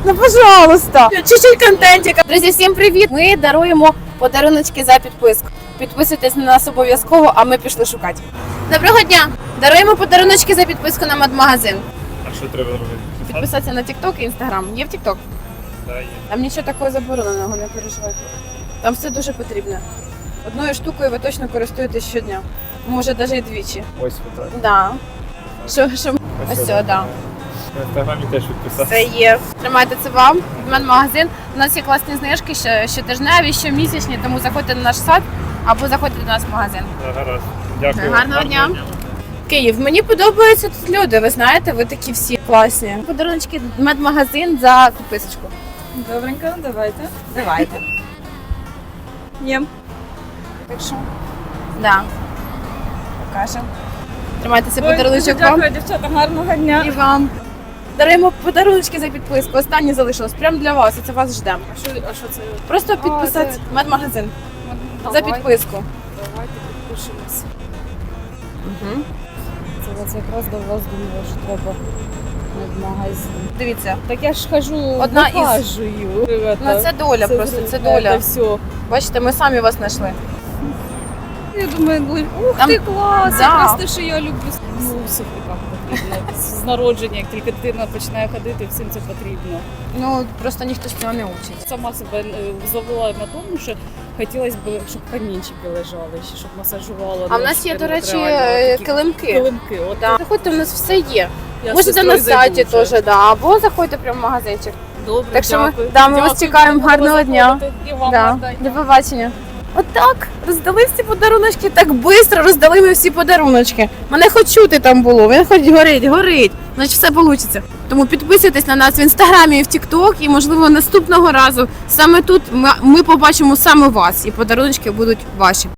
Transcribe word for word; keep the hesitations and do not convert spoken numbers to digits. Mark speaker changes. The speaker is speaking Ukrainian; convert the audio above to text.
Speaker 1: Ну, пожалуйста. Чуть-чуть контентика. Друзі, всім привіт. Ми даруємо подаруночки за підписку. Підписуйтесь на нас обов'язково, а ми пішли шукати. Доброго дня. Даруємо подаруночки за підписку на медмагазин.
Speaker 2: А що треба робити?
Speaker 1: Підписатися на TikTok і Instagram. Є в TikTok?
Speaker 2: Да, є.
Speaker 1: Там нічого такого забороненого, не переживайте. Там все дуже потрібно. Одною штукою ви точно користуєтесь щодня. Може, навіть і двічі.
Speaker 2: Ось так.
Speaker 1: Да. Що, що? Ось все, да.
Speaker 2: В інстаграмі теж підписався.
Speaker 1: Це є. Тримайте це вам. Медмагазин. У нас є класні знижки, що- щотижневі, щомісячні, тому заходьте на наш сайт або заходьте до нас в магазин.
Speaker 2: Да, гаразд. Дякую.
Speaker 1: Гарного дня. Київ, мені подобаються тут люди, ви знаєте, ви такі всі класні. Подаруночки медмагазин за підписочку.
Speaker 3: Добренько, давайте.
Speaker 1: Давайте.
Speaker 3: Єм.
Speaker 1: Так що? Да. Покажемо. Тримайте це
Speaker 3: Ой,
Speaker 1: подаруночок
Speaker 3: дуже
Speaker 1: вам.
Speaker 3: дякую, дівчата, гарного дня.
Speaker 1: І вам. Даруємо подаруночки за підписку. Останні залишилось. Прямо для вас. І це вас ждемо.
Speaker 3: А що, а що це?
Speaker 1: Просто підписати
Speaker 3: це-
Speaker 1: медмагазин за
Speaker 3: Давайте,
Speaker 1: підписку.
Speaker 3: Давайте підпишемося.
Speaker 1: Угу.
Speaker 3: Це от якраз до вас думала, що треба медмагазин.
Speaker 1: Дивіться.
Speaker 3: Так я ж хожу,
Speaker 1: Одна із-
Speaker 3: вихажую.
Speaker 1: Ну це доля просто, це доля.
Speaker 3: Це все.
Speaker 1: Бачите, ми самі вас знайшли.
Speaker 3: Я думаю, були, ух
Speaker 1: Там-
Speaker 3: ти, клас,
Speaker 1: Да.
Speaker 3: якраз те, що я люблю. Ну, у сухиках потрібно. З народження, як тільки дитина починає ходити, всім це потрібно.
Speaker 1: Ну просто ніхто з цього не учить.
Speaker 3: Сама себе е, зловила на тому, що хотілося б, щоб камінчики лежали, ще щоб масажувала.
Speaker 1: А в нас є, до
Speaker 3: ножки,
Speaker 1: речі,
Speaker 3: ну, реально,
Speaker 1: е,
Speaker 3: такі
Speaker 1: килимки.
Speaker 3: Килимки. От
Speaker 1: Да. Заходьте, у нас все є.
Speaker 3: я з
Speaker 1: Можете
Speaker 3: сестрою
Speaker 1: на сайті
Speaker 3: зайду вже.
Speaker 1: теж, да. Або заходьте прямо в магазинчик.
Speaker 3: Добре,
Speaker 1: Так що ми-
Speaker 3: дякую.
Speaker 1: да, ми вас
Speaker 3: Дякую,
Speaker 1: чекаємо.
Speaker 3: будемо
Speaker 1: Гарного дня.
Speaker 3: заходити. І вам
Speaker 1: Да.
Speaker 3: гарного дня.
Speaker 1: До побачення. Отак роздали всі подаруночки, так швидко роздали ми всі подаруночки. Мене хоч чути там було, він хоч горить, горить. Значить все вийде. Тому підписуйтесь на нас в інстаграмі і в Тікток, і можливо наступного разу саме тут ми, ми побачимо саме вас, і подаруночки будуть ваші.